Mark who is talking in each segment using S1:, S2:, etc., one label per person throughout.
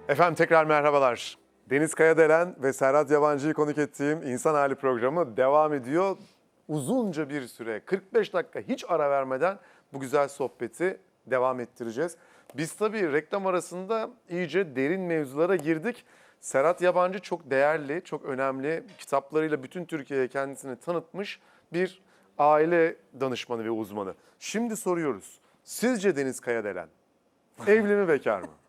S1: Efendim tekrar merhabalar. Deniz Kayadelen ve Serhat Yabancı'yı konuk ettiğim İnsan Hali programı devam ediyor. Uzunca bir süre, 45 dakika hiç ara vermeden bu güzel sohbeti devam ettireceğiz. Biz tabii reklam arasında iyice derin mevzulara girdik. Serhat Yabancı çok değerli, çok önemli kitaplarıyla bütün Türkiye'ye kendisini tanıtmış bir aile danışmanı ve uzmanı. Şimdi soruyoruz. Sizce Deniz Kayadelen evli mi bekar mı?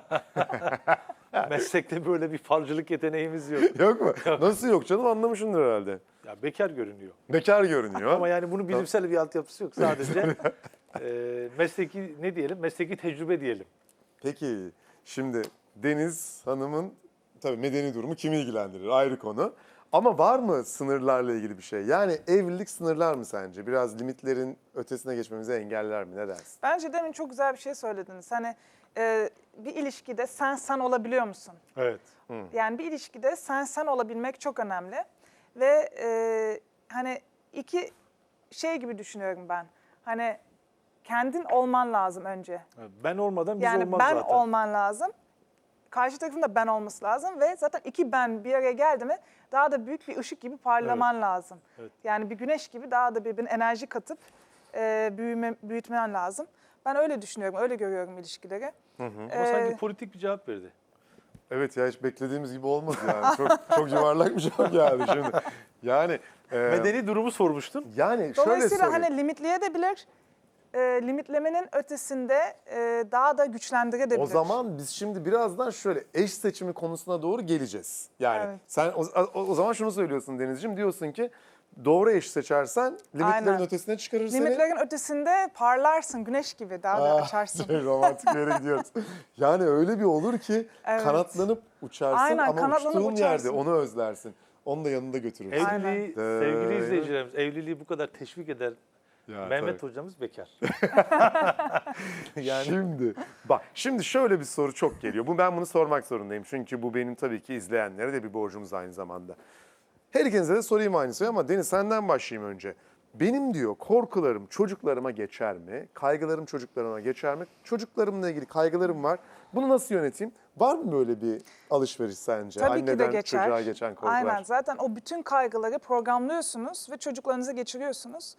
S2: Meslekte böyle bir falcılık yeteneğimiz yok.
S1: Yok mu? Nasıl yok canım, anlamışsındır herhalde.
S2: Ya bekar görünüyor.
S1: Bekar görünüyor.
S2: Ama yani bunun bilimsel bir altyapısı yok. Sadece mesleki ne diyelim? Mesleki tecrübe diyelim.
S1: Peki şimdi Deniz Hanım'ın tabii medeni durumu kimi ilgilendirir ayrı konu. Ama var mı sınırlarla ilgili bir şey? Yani evlilik sınırlar mı sence? Biraz limitlerin ötesine geçmemizi engeller mi? Ne dersin?
S3: Bence demin çok güzel bir şey söylediniz. Hani bir ilişkide sen olabiliyor musun?
S2: Evet.
S3: Yani bir ilişkide sen olabilmek çok önemli. Ve hani iki şey gibi düşünüyorum ben. Hani kendin olman lazım önce.
S2: Ben olmadan biz
S3: Yani
S2: olmaz
S3: ben
S2: zaten.
S3: olman lazım. Karşı tarafın da ben olması lazım ve zaten iki ben bir araya geldi mi daha da büyük bir ışık gibi parlaman lazım.
S2: Evet.
S3: Yani bir güneş gibi daha da birbirine enerji katıp büyütmen lazım. Ben öyle düşünüyorum, öyle görüyorum ilişkileri.
S2: Ama sanki politik bir cevap verdi.
S1: Evet ya, hiç beklediğimiz gibi olmadı yani. Çok yuvarlak bir cevap geldi şimdi. Yani
S2: Medeni durumu sormuştun.
S1: yani şöyle
S3: Dolayısıyla
S1: sorayım.
S3: hani limitleyebilir, limitlemenin ötesinde daha da güçlendirebilir.
S1: O zaman biz şimdi birazdan şöyle eş seçimi konusuna doğru geleceğiz. Yani
S3: Evet.
S1: sen o zaman şunu söylüyorsun Denizciğim, diyorsun ki doğru eş seçersen limitlerin
S3: Aynen.
S1: ötesine çıkarır seni.
S3: Limitlerin ötesinde parlarsın, güneş gibi daha da açarsın.
S1: Romantik bir yere gidiyoruz. Yani öyle bir olur ki
S3: Evet.
S1: kanatlanıp uçarsın
S3: Aynen,
S1: ama
S3: kanatlanıp
S1: uçtuğun yerde
S3: uçarsın.
S1: onu özlersin. Onu da yanında götürürsün.
S3: Aynen.
S2: Evliliği, sevgili izleyicilerimiz, evliliği bu kadar teşvik eden
S1: Ya,
S2: Mehmet
S1: tabii.
S2: hocamız bekar. Yani
S1: Şimdi şöyle bir soru çok geliyor. Ben bunu sormak zorundayım. Çünkü bu benim tabii ki izleyenlere de bir borcumuz aynı zamanda. Her ikinize de sorayım aynı soruyu ama Deniz senden başlayayım önce. Benim diyor korkularım çocuklarıma geçer mi? Kaygılarım çocuklarıma geçer mi? Çocuklarımla ilgili kaygılarım var. Bunu nasıl yöneteyim? Var mı böyle bir alışveriş sence?
S3: Tabii ki de
S1: Anneden
S3: geçer.
S1: çocuğa geçen korkular.
S3: Aynen, zaten o bütün kaygıları programlıyorsunuz ve çocuklarınıza geçiriyorsunuz.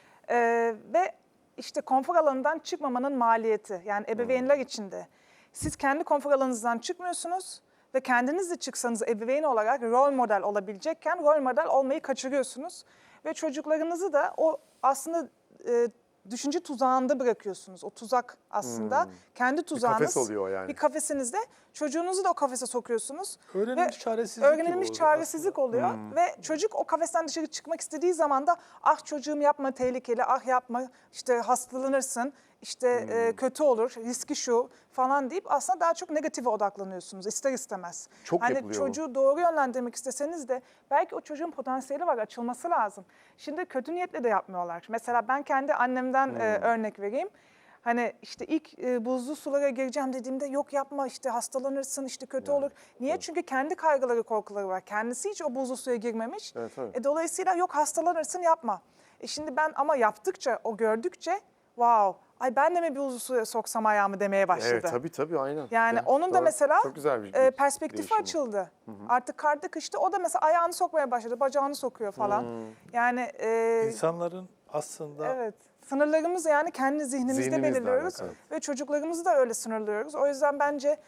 S3: Ve işte konfor alanından çıkmamanın maliyeti, yani ebeveynler için de. Siz kendi konfor alanınızdan çıkmıyorsunuz ve kendiniz de çıksanız ebeveyn olarak rol model olabilecekken rol model olmayı kaçırıyorsunuz. Ve çocuklarınızı da o aslında düşünce tuzağında bırakıyorsunuz. O tuzak aslında kendi tuzağınız.
S1: kafes oluyor o yani.
S3: Bir kafesinizde çocuğunuzu da o kafese sokuyorsunuz.
S2: öğrenilmiş
S3: Ve
S2: çaresizlik gibi
S3: öğrenilmiş
S2: oldu
S3: çaresizlik oluyor ve çocuk o kafesten dışarı çıkmak istediği zaman da ah çocuğum yapma tehlikeli, ah yapma işte hastalanırsın, işte kötü olur, riski şu falan deyip aslında daha çok negatife odaklanıyorsunuz ister istemez.
S1: Çok
S3: hani
S1: yapılıyor bu.
S3: çocuğu doğru yönlendirmek isteseniz de belki o çocuğun potansiyeli var, açılması lazım. Şimdi kötü niyetle de yapmıyorlar. Mesela ben kendi annemden örnek vereyim. Hani işte ilk buzlu sulara gireceğim dediğimde yok yapma işte hastalanırsın işte kötü olur. Niye? Çünkü kendi kaygıları korkuları var. Kendisi hiç o buzlu suya girmemiş.
S1: Evet, evet.
S3: Dolayısıyla yok hastalanırsın yapma. Şimdi ben ama yaptıkça o gördükçe wow ay ben de mi bir buzlu suya soksam ayağımı demeye başladı.
S1: Evet tabii aynen.
S3: Yani
S1: Evet,
S3: onun da
S1: doğru.
S3: mesela
S1: Çok güzel bir
S3: perspektifi
S1: değişim bu.
S3: açıldı. Artık karda kışta o da mesela ayağını sokmaya başladı, bacağını sokuyor falan. Yani
S2: İnsanların aslında
S3: evet. Sınırlarımızı yani kendi zihnimizde
S1: Zihnimizle
S3: belirliyoruz
S1: alakalı.
S3: ve çocuklarımızı da öyle sınırlıyoruz. O yüzden bence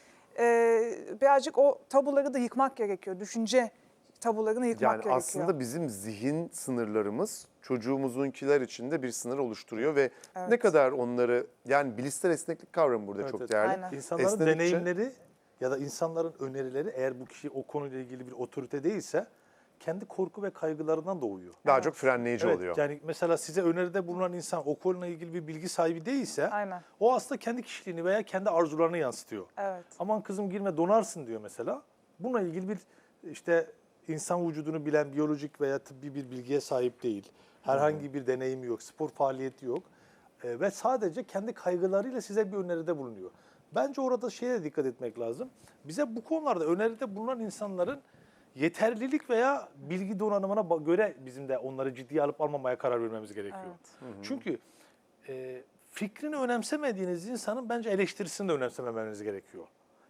S3: birazcık o tabuları da yıkmak gerekiyor. Düşünce tabularını yıkmak
S1: Yani
S3: gerekiyor.
S1: aslında bizim zihin sınırlarımız çocuğumuzunkiler için de bir sınır oluşturuyor ve ne kadar onları, yani bilişsel esneklik kavramı burada
S2: Evet,
S1: çok
S2: evet.
S1: değerli.
S3: Aynen.
S2: İnsanların
S1: Esnedikçe-
S2: deneyimleri ya da insanların önerileri eğer bu kişi o konuyla ilgili bir otorite değilse kendi korku ve kaygılarından doğuyor.
S1: Daha çok frenleyici
S2: Evet,
S1: oluyor.
S2: yani mesela size öneride bulunan insan o konuyla ilgili bir bilgi sahibi değilse
S3: Aynen.
S2: o aslında kendi kişiliğini veya kendi arzularını yansıtıyor.
S3: Evet.
S2: Aman kızım girme donarsın diyor mesela. Bununla ilgili bir işte insan vücudunu bilen biyolojik veya tıbbi bir bilgiye sahip değil. Herhangi bir deneyimi yok, spor faaliyeti yok. Ve sadece kendi kaygılarıyla size bir öneride bulunuyor. Bence orada şeye de dikkat etmek lazım. Bize bu konularda öneride bulunan insanların yeterlilik veya bilgi donanımına göre bizim de onları ciddiye alıp almamaya karar vermemiz gerekiyor.
S3: Evet.
S2: Çünkü fikrini önemsemediğiniz insanın bence eleştirisini de önemsememeniz gerekiyor.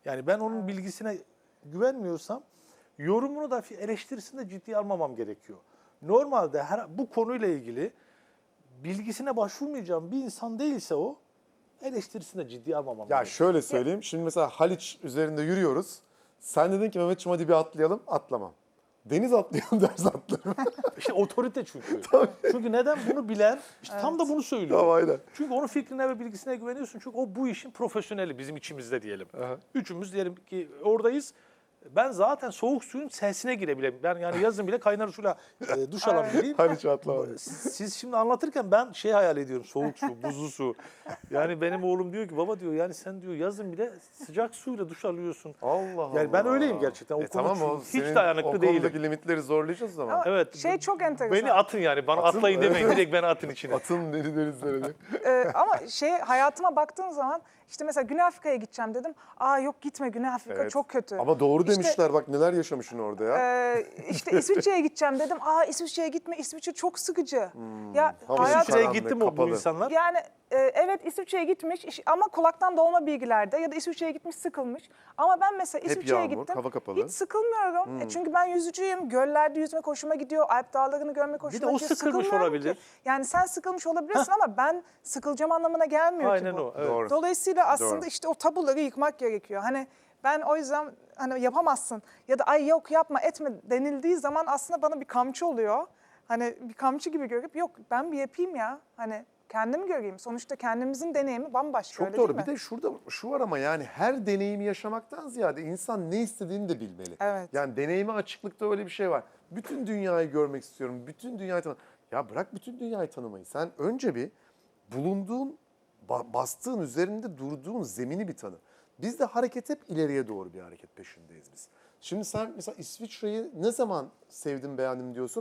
S2: Yani ben onun bilgisine güvenmiyorsam yorumunu da eleştirisini de ciddiye almamam gerekiyor. Normalde bu konuyla ilgili bilgisine başvurmayacağım bir insan değilse o eleştirisini de ciddiye almamam
S1: Ya
S2: gerekiyor.
S1: şöyle söyleyeyim. Şimdi mesela Haliç üzerinde yürüyoruz. Sen dedin ki Mehmetciğim hadi bir atlayalım. Atlamam. Deniz atlayalım ders atlarım.
S2: İşte otorite çünkü. Çünkü neden bunu bilen, işte tam da bunu söylüyor.
S1: Tamam, aynen.
S2: Çünkü onun fikrine ve bilgisine güveniyorsun. Çünkü o bu işin profesyoneli bizim içimizde diyelim.
S1: Aha.
S2: Üçümüz diyelim ki oradayız. Ben zaten soğuk suyun sesine girebilirim. Ben yani yazın bile kaynar suyla duş alabileyim.
S1: Haliç atlama.
S2: Siz şimdi anlatırken ben şey hayal ediyorum. Soğuk su, buzlu su. Yani benim oğlum diyor ki baba diyor yani sen diyor yazın bile sıcak suyla duş alıyorsun.
S1: Allah Allah.
S2: Yani ben öyleyim gerçekten. O konuda
S1: Tamam o
S2: hiç
S1: senin
S2: dayanıklı
S1: o konudaki
S2: değilim.
S1: limitleri zorlayacağız o zaman.
S3: Ama
S2: Evet.
S3: şey çok enteresan.
S2: Beni atın yani. Bana
S1: Atın,
S2: atlayın
S1: evet.
S2: demeyin. Direkt beni atın içine.
S1: Atın deli denizlere.
S3: Ama hayatıma baktığın zaman işte mesela Güney Afrika'ya gideceğim dedim. Aa yok gitme Güney Afrika
S1: Evet.
S3: çok kötü.
S1: Ama doğru
S3: İşte-
S1: demişler bak neler yaşamışsın orada ya.
S3: İşte İsviçre'ye gideceğim dedim. Aa İsviçre'ye gitme İsviçre çok sıkıcı. Ya
S1: Hava
S3: hayat
S1: sıcak.
S2: İsviçre'ye
S1: Karanlık,
S2: gitti mi bu
S1: kapalı.
S2: insanlar?
S3: yani evet İsviçre'ye gitmiş ama kulaktan dolma bilgilerde ya da İsviçre'ye gitmiş sıkılmış. Ama ben mesela
S1: Hep
S3: İsviçre'ye
S1: yağmur,
S3: gittim.
S1: hava kapalı.
S3: Hiç sıkılmıyorum. Çünkü ben yüzücüyüm. Göllerde yüzmek hoşuma gidiyor. Alp dağlarını görmek hoşuma
S2: Bir de o
S3: gidiyor.
S2: sıkılmış
S3: Sıkılmıyorum
S2: olabilir.
S3: ki. Yani sen sıkılmış olabilirsin ama ben sıkılacağım anlamına gelmiyor
S2: Aynen
S3: ki bu.
S2: o. Evet.
S1: Doğru.
S3: Dolayısıyla aslında
S1: Doğru.
S3: işte o tabuları yıkmak gerekiyor. Hani ben o yüzden hani yapamazsın ya da ay yok yapma etme denildiği zaman aslında bana bir kamçı oluyor. Hani bir kamçı gibi görüp yok ben bir yapayım ya. Hani kendimi göreyim. Sonuçta kendimizin deneyimi bambaşka
S1: Çok
S3: öyle
S1: doğru.
S3: değil
S1: Bir
S3: mi?
S1: de şurada şu var ama yani her deneyimi yaşamaktan ziyade insan ne istediğini de bilmeli.
S3: Evet.
S1: Yani deneyime açıklıkta öyle bir şey var. Bütün dünyayı görmek istiyorum. Bütün dünyayı tanımak. Ya bırak bütün dünyayı tanımayı. Sen önce bir bulunduğun, bastığın, üzerinde durduğun zemini bir tanı. Biz de hareket hep ileriye doğru bir hareket peşindeyiz biz. Şimdi sen mesela İsviçre'yi ne zaman sevdim, beğendim diyorsun?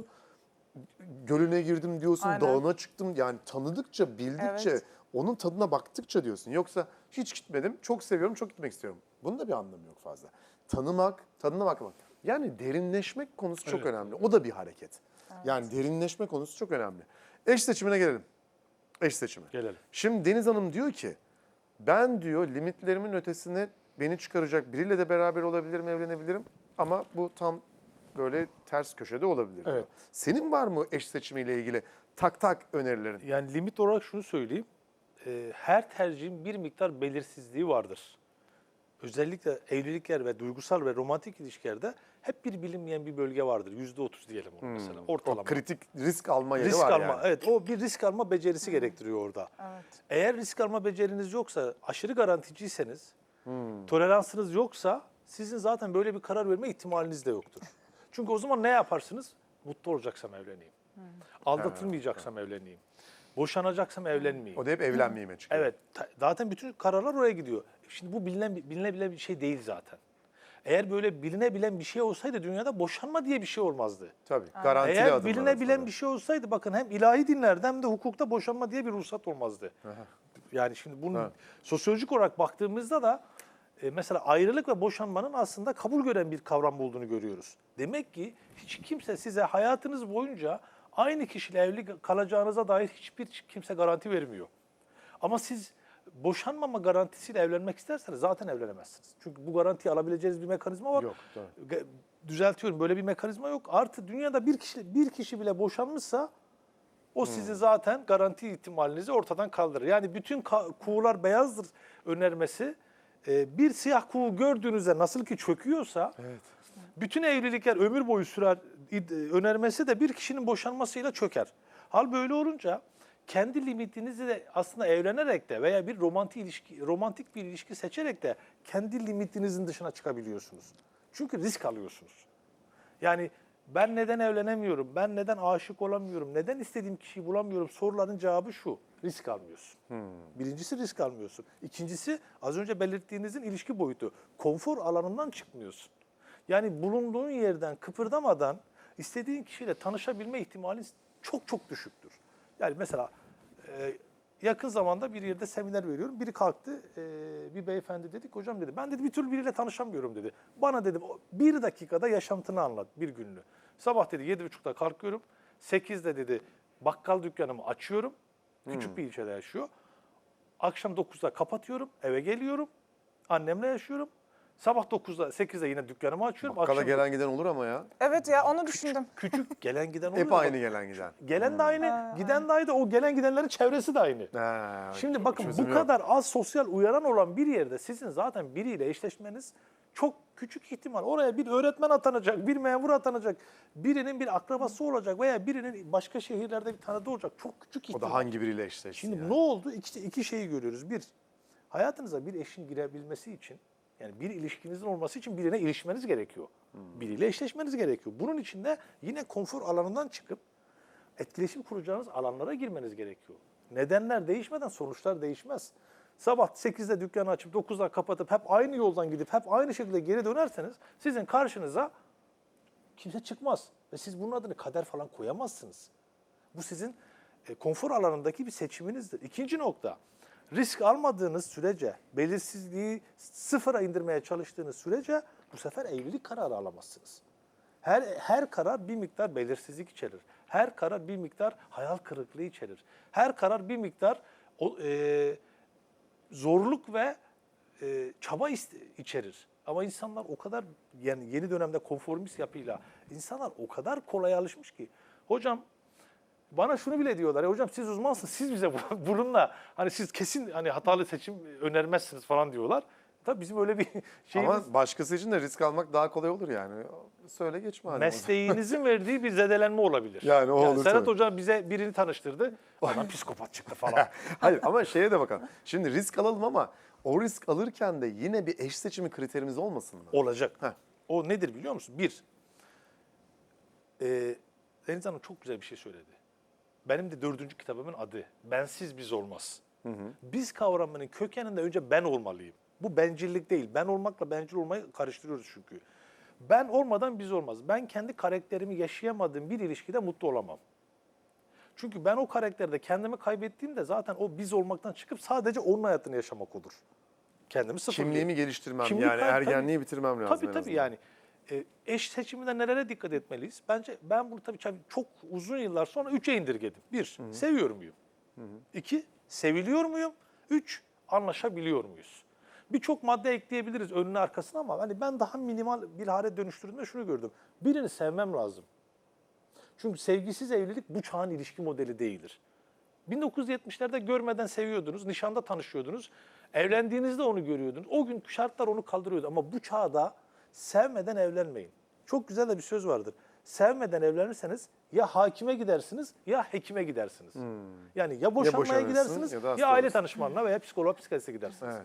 S1: Gölüne girdim diyorsun,
S3: Aynen.
S1: dağına çıktım. Yani tanıdıkça, bildikçe,
S3: Evet.
S1: onun tadına baktıkça diyorsun. Yoksa hiç gitmedim, çok seviyorum, çok gitmek istiyorum. Bunun da bir anlamı yok fazla. Tanımak, tadına bakmak. Yani derinleşmek konusu çok
S2: Evet.
S1: önemli. O da bir hareket. Yani derinleşme konusu çok önemli. Eş seçimine gelelim. Eş seçimi.
S2: Gelelim.
S1: Şimdi Deniz Hanım diyor ki, ben diyor limitlerimin ötesine beni çıkaracak biriyle de beraber olabilirim, evlenebilirim. Ama bu tam böyle ters köşede olabilir diyor.
S2: Evet.
S1: Senin var mı eş seçimiyle ilgili tak tak önerilerin?
S2: Yani limit olarak şunu söyleyeyim. Her tercihin bir miktar belirsizliği vardır. Özellikle evlilikler ve duygusal ve romantik ilişkilerde hep bir bilinmeyen bir bölge vardır. %30 diyelim onu mesela.
S1: O
S2: Ortalama.
S1: kritik risk alma yeri
S2: Risk
S1: var
S2: alma,
S1: yani.
S2: evet o bir risk alma becerisi gerektiriyor orada.
S3: Evet.
S2: Eğer risk alma beceriniz yoksa, aşırı garanticiyseniz, toleransınız yoksa sizin zaten böyle bir karar verme ihtimaliniz de yoktur. Çünkü o zaman ne yaparsınız? Mutlu olacaksam evleneyim. Aldatılmayacaksam evleneyim. Boşanacaksam evlenmeyeyim.
S1: O da hep evlenmeyime çıkıyor.
S2: Evet, zaten bütün kararlar oraya gidiyor. Şimdi bu bilinebilen bir şey değil zaten. Eğer böyle bilinebilen bir şey olsaydı dünyada boşanma diye bir şey olmazdı.
S1: Tabii. Garantili
S2: Eğer
S1: adımlar
S2: bilinebilen
S1: atıldı.
S2: bir şey olsaydı bakın hem ilahi dinlerde hem de hukukta boşanma diye bir ruhsat olmazdı. Yani şimdi bunu
S1: Evet.
S2: sosyolojik olarak baktığımızda da mesela ayrılık ve boşanmanın aslında kabul gören bir kavram olduğunu görüyoruz. Demek ki hiç kimse size hayatınız boyunca aynı kişiyle evli kalacağınıza dair hiçbir kimse garanti vermiyor. Ama siz boşanmama garantisiyle evlenmek isterseniz zaten evlenemezsiniz. Çünkü bu garantiyi alabileceğiniz bir mekanizma var.
S1: Yok, tabii.
S2: Düzeltiyorum, böyle bir mekanizma yok. Artı dünyada bir kişi bile boşanmışsa o sizi zaten garanti ihtimalinizi ortadan kaldırır. Yani bütün kuğular beyazdır önermesi bir siyah kuğu gördüğünüzde nasıl ki çöküyorsa bütün evlilikler ömür boyu sürer önermesi de bir kişinin boşanmasıyla çöker. Hal böyle olunca kendi limitinizi de aslında evlenerek de veya bir romantik bir ilişki seçerek de kendi limitinizin dışına çıkabiliyorsunuz. Çünkü risk alıyorsunuz. Yani ben neden evlenemiyorum, ben neden aşık olamıyorum, neden istediğim kişiyi bulamıyorum soruların cevabı şu: risk almıyorsun. Birincisi risk almıyorsun. İkincisi az önce belirttiğinizin ilişki boyutu. Konfor alanından çıkmıyorsun. Yani bulunduğun yerden kıpırdamadan istediğin kişiyle tanışabilme ihtimalin çok çok düşüktür. Yani mesela yakın zamanda bir yerde seminer veriyorum. Biri kalktı, bir beyefendi dedik, hocam dedi, ben dedi bir türlü biriyle tanışamıyorum dedi. Bana dedi bir dakikada yaşantını anlat, bir günlüğü. Sabah dedi 7.30'da kalkıyorum, 8'de dedi bakkal dükkanımı açıyorum, küçük bir ilçede yaşıyor. Akşam 9'da kapatıyorum, eve geliyorum, annemle yaşıyorum. Sabah 9'da 8'de yine dükkanımı açıyorum.
S1: Bakkala
S2: Akşam
S1: gelen giden olur ama ya.
S3: Evet ya onu düşündüm.
S2: küçük gelen giden oluyor.
S1: Hep aynı gelen giden.
S2: Gelen de aynı, giden de aynı, o gelen gidenlerin çevresi de aynı.
S1: Ha,
S2: Şimdi bakın
S1: çözüm
S2: bu
S1: yok.
S2: kadar az sosyal uyaran olan bir yerde sizin zaten biriyle eşleşmeniz çok küçük ihtimal. Oraya bir öğretmen atanacak, bir memur atanacak, birinin bir akrabası olacak veya birinin başka şehirlerde bir tanıdığı olacak. Çok küçük
S1: O
S2: ihtimal.
S1: da hangi biriyle eşleşti
S2: Şimdi
S1: yani?
S2: ne oldu? İki şeyi görüyoruz. Bir, hayatınıza bir eşin girebilmesi için, yani bir ilişkinizin olması için birine ilişmeniz gerekiyor. Biriyle eşleşmeniz gerekiyor. Bunun için de yine konfor alanından çıkıp etkileşim kuracağınız alanlara girmeniz gerekiyor. Nedenler değişmeden sonuçlar değişmez. Sabah 8'de dükkanı açıp 9'da kapatıp hep aynı yoldan gidip hep aynı şekilde geri dönerseniz sizin karşınıza kimse çıkmaz. Ve siz bunun adını kader falan koyamazsınız. Bu sizin konfor alanındaki bir seçiminizdir. İkinci nokta, risk almadığınız sürece, belirsizliği sıfıra indirmeye çalıştığınız sürece bu sefer evlilik kararı alamazsınız. Her karar bir miktar belirsizlik içerir. Her karar bir miktar hayal kırıklığı içerir. Her karar bir miktar zorluk ve çaba içerir. Ama insanlar o kadar, yani yeni dönemde konformist yapıyla insanlar o kadar kolay alışmış ki. Hocam bana şunu bile diyorlar. Ya hocam siz uzmansınız. Siz bize bununla hani siz kesin hani hatalı seçim önermezsiniz falan diyorlar. Tabii bizim öyle bir şeyimiz.
S1: Ama başkası için de risk almak daha kolay olur yani. Söyle geçme. Hani
S2: Mesleğinizin verdiği bir zedelenme olabilir.
S1: Yani o olur
S2: Serhat
S1: tabii.
S2: Hocam bize birini tanıştırdı. Adam psikopat çıktı falan.
S1: Hayır ama şeye de bakalım. Şimdi risk alalım ama o risk alırken de yine bir eş seçimi kriterimiz olmasın mı?
S2: Olacak.
S1: Heh.
S2: O nedir biliyor musun? Bir, Deniz Hanım çok güzel bir şey söyledi. Benim de 4. kitabımın adı Bensiz Biz Olmaz. Biz kavramının kökeninde önce ben olmalıyım. Bu bencillik değil. Ben olmakla bencil olmayı karıştırıyoruz çünkü. Ben olmadan biz olmaz. Ben kendi karakterimi yaşayamadığım bir ilişkide mutlu olamam. Çünkü ben o karakterde kendimi kaybettiğimde zaten o biz olmaktan çıkıp sadece onun hayatını yaşamak olur. Kendimi sıfırlayayım.
S1: Kimliğimi geliştirmem
S2: Kimlik
S1: yani
S2: tabii.
S1: ergenliği bitirmem lazım.
S2: Tabii
S1: en
S2: tabii
S1: azından.
S2: yani. Eş seçiminde nelere dikkat etmeliyiz? Bence ben bunu tabii çok uzun yıllar sonra 3'e indirgedim. 1, seviyor muyum? 2, seviliyor muyum? 3, anlaşabiliyor muyuz? Birçok madde ekleyebiliriz önüne arkasına ama hani ben daha minimal bir hale dönüştürdüğümde şunu gördüm. Birini sevmem lazım. Çünkü sevgisiz evlilik bu çağın ilişki modeli değildir. 1970'lerde görmeden seviyordunuz, nişanda tanışıyordunuz. Evlendiğinizde onu görüyordunuz. O gün şartlar onu kaldırıyordu ama bu çağda sevmeden evlenmeyin. Çok güzel de bir söz vardır. Sevmeden evlenirseniz ya hakime gidersiniz ya hekime gidersiniz. Yani ya boşanmaya
S1: boşanırsın
S2: gidersiniz
S1: ya da
S2: ya,
S1: hasta
S2: aile
S1: olursun.
S2: danışmanına veya psikoloğa, psikiyatriste gidersiniz.
S1: Evet.